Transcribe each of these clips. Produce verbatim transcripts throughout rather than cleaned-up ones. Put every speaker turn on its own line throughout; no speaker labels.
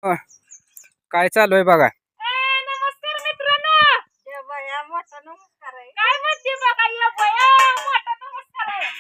अ, काय चालू आहे बघा.
नमस्कार मित्रांनो. या बाया मोठा नमस्कार आहे. काय म्हणते बघा या बाया मोठा नमस्कार आहे.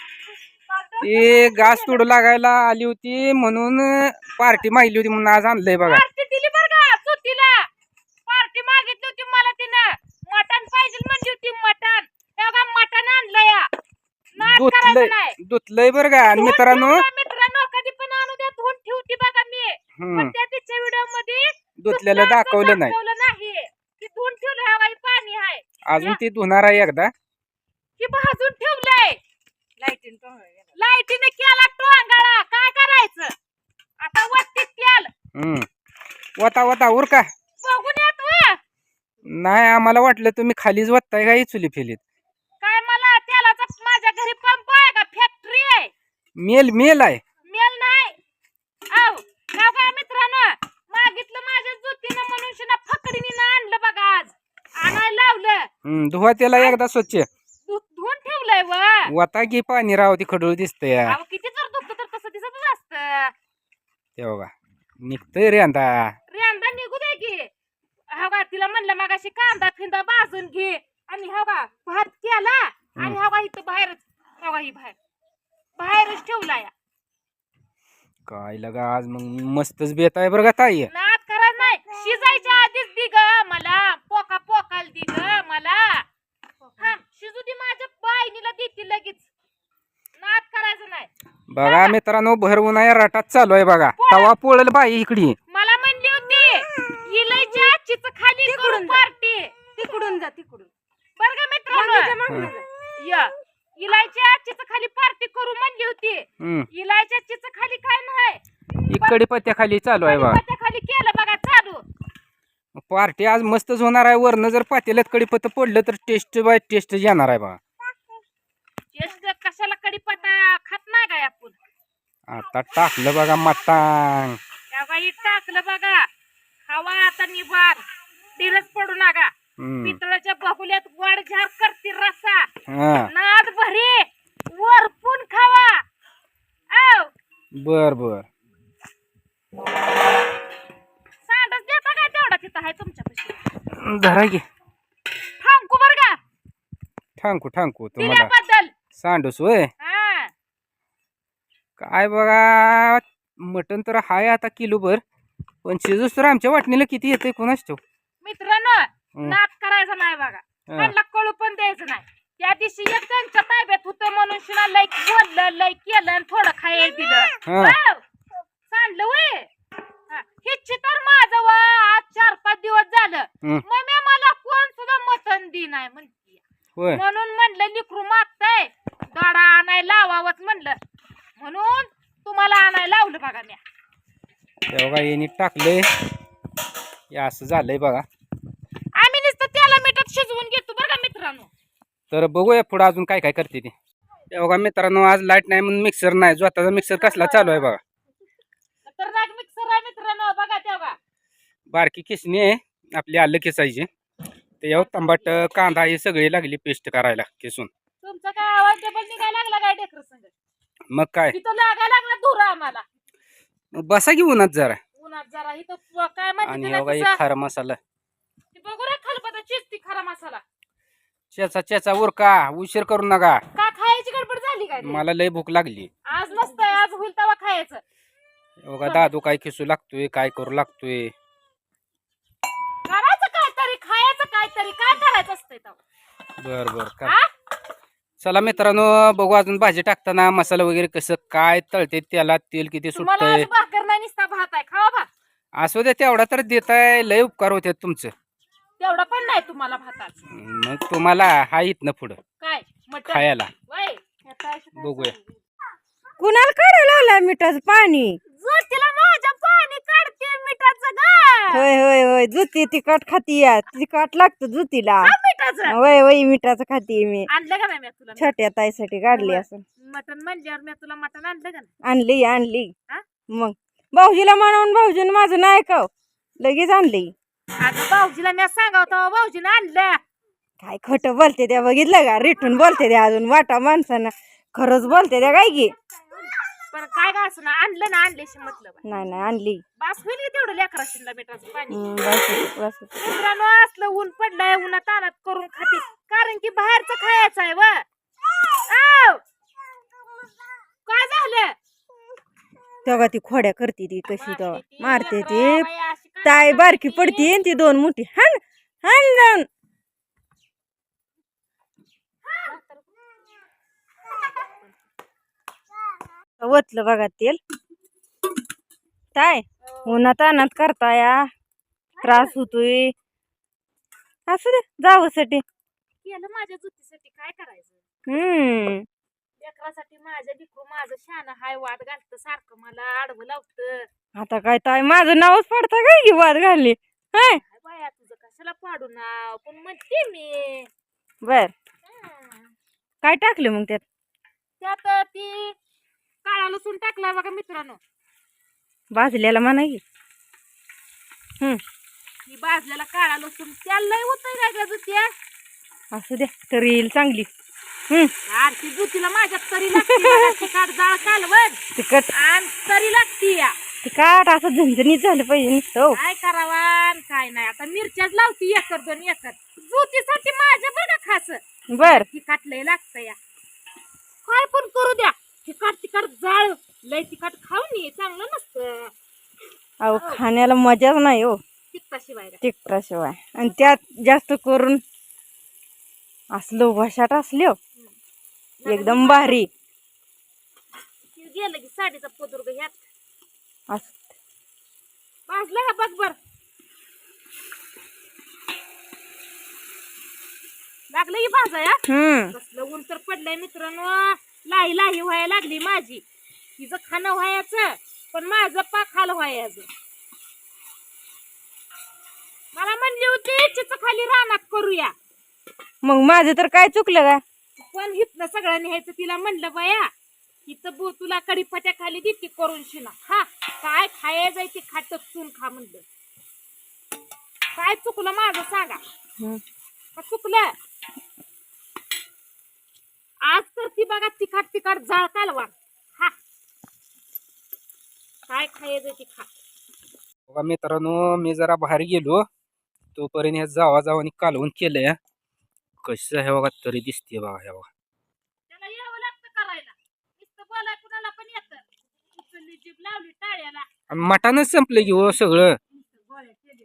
ती घास तोडू लागायला आली होती म्हणून पार्टी मागली होती म्हणून आज आणलंय बघा.
पार्टी दिली बरं का सुट्टीला. पार्टी मागितली होती मला तिनं. मटण पाहिजे म्हणली होती मटण. तेव्हा मटण आणलं या. नाद करायचं
दुतलंय
नाही.
दुतलंय बरं का. आणि
धुवून
मित्रांनो
ठेवलं मित्रांनो कधी पण आणू द्या धुवून ठेवती बघा मी.
हम्म
पण त्या तिच्या व्हिडिओ मध्ये
दुतलेलं दाखवलं नाही.
दाखवलं नाही की धुवून ठेवलं ह्या बाई पाणी आहे.
अजून ती धुणार आहे एकदा.
की भाजून ठेवलंय. लाईटीन लाईटीने केला टोंगाळा काय करायचं आता वरती तेल
हम्म वता वता उर का
बघून येत व.
नाही आम्हाला वाटलं तुम्ही खालीच वत्ताय का चुली फेलीत.
काय मला तेलाचा माझ्या घरी पंप आहे का फॅक्टरी आहे.
मेल मेल आहे.
मेल नाही आव का काय मित्रांनो मागितलं माझ्या जुतीनं म्हणून शिना फकडीने ना आणलं बघा आज आणायला लावलं.
हम्म धुवा त्याला एकदा स्वच्छ
धु- धुवून ठेवलंय व.
वता घे पाणी राव ती खडूळ दिसतंय.
अहो किती जर दुखत तर तसं दिसतच असतं.
ते बघा निघतंय रे आता.
रेंदा निघू दे की. हा बा तिला म्हणलं मगाशी कांदा फिंदा भाजून घे आणि हा बा भात केला आणि हा बा इथं बाहेरच हा बा ही बाहेर बाहेरच ठेवला या.
काय लगा आज मग मस्तच बेत आहे बरं का ताई.
नाद करायचं नाही शिजायच्या आधीच दि ग मला पोका पोकाल दि ग मला. थांब शिजू दे माझ्या बाईनीला देते लगेच. नाद करायचं नाही.
बघा मित्रांनो भर उन्हाळ्या रटात चालू आहे बघा. तवा पोळल बाई इकडी.
मला म्हणली होती इलायच्या आजचीच खाली करून पार्टी तिकडून जा तिकडून बरं का मित्रांनो. या इलायच्या आजचीच खाली पार्टी करू म्हणली होती.
हम्म
इलायच्या आजचीच खाली काय नाही
इकडे पत्त्या खाली चालू आहे बघा.
त्या खाली केलं बघा चालू.
पार्टी आज मस्तच होणार आहे. वरनं जर पातेल्यात कडीपत्ता पडलं तर टेस्ट बाय टेस्ट येणार आहे बघा.
टेस्ट कशाला कडीपत्ता खात नाही काय आपण.
आता टाकलं बघा मटांग.
त्या बाई टाकलं बघा खावा आता निभार दिरच पडू नका.
हम्म
पितळाच्या बाहुल्यात वाढ झार करते रसा
हा
नाद भरी वरपून खावा. आव
बर बर
सांडच देता काय तेवढा तिथं आहे तुमच्यापाशी.
धरा घे.
थांबू बर का
ठांकू ठांकू तुम्हाला
दिल्याबद्दल.
सांडूस होय.
हा
काय बघा मटण तर हाय आता किलो भर पण शिजूस तर आमच्या वाटणीला किती येते कोणाच ठेव.
मित्रांनो
हं.
नाद करायचा नाही बघा.
हं.
त्यांना कळू पण द्यायचं नाही. त्या दिवशी एक त्यांच्या ताब्यात होतं म्हणून शिना लय बोललं लय केलं आणि थोडं खायला दिलं.
हं.
वाव, सांडलं वय. हा, हिची तर माझं वा आज चार पाच दिवस झालं
हं.
मम्मी मला कोण सुद्धा मटण दी नाही म्हणती.
होय
म्हणून म्हणलं लिकरू मागतय गाडा आणायला लावावंच म्हणलं म्हणून तुम्हाला आणायला लावलं बघा मी.
ते बघा यांनी टाकलंय हे असं झालंय बघा.
आम्ही नुसतं त्याला मिठात शिजवून घेतो बरं का मित्रांनो.
तर बघूया पुढे अजून काय काय करते ते. ते बघा मित्रांनो आज लाईट नाही म्हणून मिक्सर नाही. स्वतःचा मिक्सर कसला चालू आहे बघा.
खतरनाक मिक्सर आहे मित्रांनो बघा तेव्हा.
बारकी किसणी आहे आपली आलं किसायची. त्याच्यावर तंबाट कांदा हे सगळे लागली पेस्ट करायला किसून.
तुमचा काय आवाज डबल निघायला लागला काय डेकर संग.
मग काय
इथं लागायला लागला धुरा आम्हाला.
मग बसा की उन्हात जरा.
उन्हात जरा इथं प- काय म्हणते
आणि
तिला
हे बघा एक
तिचं?
खारा मसाला
ती बघू रे खालपता चिजती खरा मसाला.
चेचा चेचा उरका उशीर करू नका.
का खायची गडबड झाली काय ते?
मला लय भूक लागली.
आज नसतंय आज होईल तेव्हा खायचं.
हे बघा दादू काय खिसू लागतोय काय करू लागतोय.
करायचं काहीतरी खायचं काहीतरी काय करायचं असतंय तेव्हा.
बर बर का
हा?
चला मित्रांनो बघू अजून भाजी टाकताना मसाला वगैरे कसं काय तळते त्याला तेल किती
तुम्हाला
सुटतंय.
आज भाकर नाही निसता भात आहे खावा भात.
असू दे तेवढा तर देताय लय उपकार होते तुमचं.
तेवढा पण नाही तुम्हाला भाताच.
मग तुम्हाला हा इथनं पुढं
काय मटण
खायला
वय
बघूया.
कुणाला काढायला लावलाय मिठाचं पाणी.
तिला माझ्या पाणी काढते मिठाचं गा.
होय होय होय जुती तिखट खाती या तिखट लागतं जुतीला.
हा, मिठाचं
होय होय मिठाचं खाती मी.
आणलं का नाही मी तुला
छोट्या ताईसाठी काढली असं.
मटण म्हणल्यावर मी तुला मटण आणलं का नाही.
आणली आणली
हा?
मग भाऊजीला म्हणून भाऊजीने माझं नाही ऐकाव लगेच आणली.
अगं भाऊजीला मी सांगावतो भाऊजीने आणलं.
काय खोटं बोलते त्या बघितलं का रिटून बोलते त्या अजून वाटा माणसानं खरंच बोलते त्या काय की.
पण काय का असं ना आणलं ना आणल्याशी मतलब आहे.
नाही नाही आणली.
बास होईल की तेवढं लेकरा शिंदा मिठाचं पाणी.
हम्म, बस होतं, बस होतं.
मित्रांनो असलं ऊन पडलंय उन्हात तानात करून खाते कारण की बाहेरचं खायचं आहे व आव! काय झालं
तेव्हा ती खोड्या करते ती कशी तेव्हा
मारते ती,
मारते
लेकरं,
ती
बाई अशी काय
ताई
करते
बारकी
ती?
पडती आणि ती दोन मोठी हान हान जाऊन वतलं बघा तेल काय उन्हात अनात करताया त्रास होतोय असू दे जावसाठी.
केलं माझ्या जुतीसाठी काय करायचं
हम्म
लेकरासाठी माझ्या लिकरू माझं शान हाय वाद घालत सारखं मला आडवं लावत.
आता काय ताई माझं नावच पडता काय की वाद घालली हाय
काय बाया तुझं कशाला पाडू नाव पण म्हणते मी.
बर
हं.
काय टाकलं मग त्यात
त्यात ती काळा लसूण टाकला बघा मित्रांनो.
भाजलेला म्हणा की. हम्म
ही भाजलेला काळा लसूण त्याला लय होतंय काय का जुत्या
असू द्या तरी येईल चांगली. हम्म
आरती जुतीला माझ्या तरी लागते बघा, तिखट डाळ कालवण
तिखट
आणि तरी लागती या.
तिखट असं झणझणीत झालं पाहिजे नुसतं हो.
काय करावा आणि काय नाही आता मिरच्याच लावती एकर दोन एकर जुतीसाठी माझ्या बघा खास
बर
तिखट लय लागतं या. काय पण करू द्या तिखट तिखट जाळ लय तिखट खाऊन ये चांगलं नसतं
अहो खाण्याला मजाच नाही हो
तिखटाशिवाय
तिखटाशिवाय. आणि त्यात जास्त करून असलो भाषाट असलो एकदम भारी
गेलं की साडीचा पदुर्ग ह्यात
असं.
भाजलं का बघ बर लागलं की भाजाया.
हम्म
कसलं ऊन तर पडलंय मित्रांनो लाही लाही व्हायला लागली माझी. तिचं खाणं व्हायचं पण माझं पाक खाल व्हायचं. मला म्हणली होती चिच खाली रानात करूया
मग माझं तर काय चुकलं का
पण हिथनं सगळं न्यायचं तिला म्हणलं बाया इथं बो तुला कडीपत्या खाली देते करून शिना हा काय खायचं ते खात चून खा म्हणलं. काय चुकलं माझं सांगा
हम्म.
का चुकलं. आज तर ती बघा तिखट तिखट जाळ कालवा हा काय खायचं ते खा.
बघा मित्रांनो मी जरा बाहेर गेलो तोपर्यंत ह्या जावा जावानी कालवून केलंय कसं आहे बघा तरी दिसते बघा हे बघा.
त्याला यावं लागतं करायला नुसतं बोलाय कुणाला पण येतं. उचलली जीभ लावली टाळ्याला
आणि मटानच संपलं की हो सगळं.
गोळ्या केल्या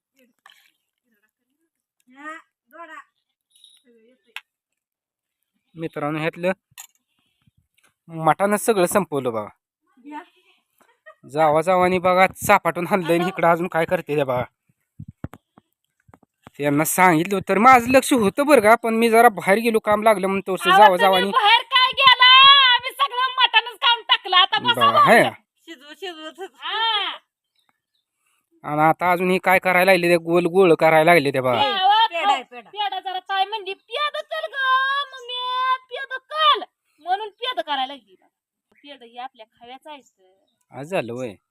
मित्रांनो ह्यातलं मटानच सगळं संपवलं बघा. जावा जावानी बघा चापाटून हाणलंय आणि इकडं अजून काय करते ते बघा. यांना सांगितलं तर माझं लक्ष होतं बरं का पण मी जरा बाहेर गेलो काम लागलं म्हणून तोच जावा जावानी
बाहेर काय गेला आम्ही सगळं मटणच खाऊन टाकलं आता बसा
बघा हे
शिजवत शिजवत
हा.
आणि आता अजून हे काय करायला लागले ते गोल गोळ करायला लागले ते बघा.
पेढा
पेढा आहे, पेढा.
पेढा जरा ताई म्हणली पेढ चल ग मम्मी पेढ कल म्हणून पेढ करायला लागली. पेढ ही आपल्या खाव्याचं आहे.
आज झालं वय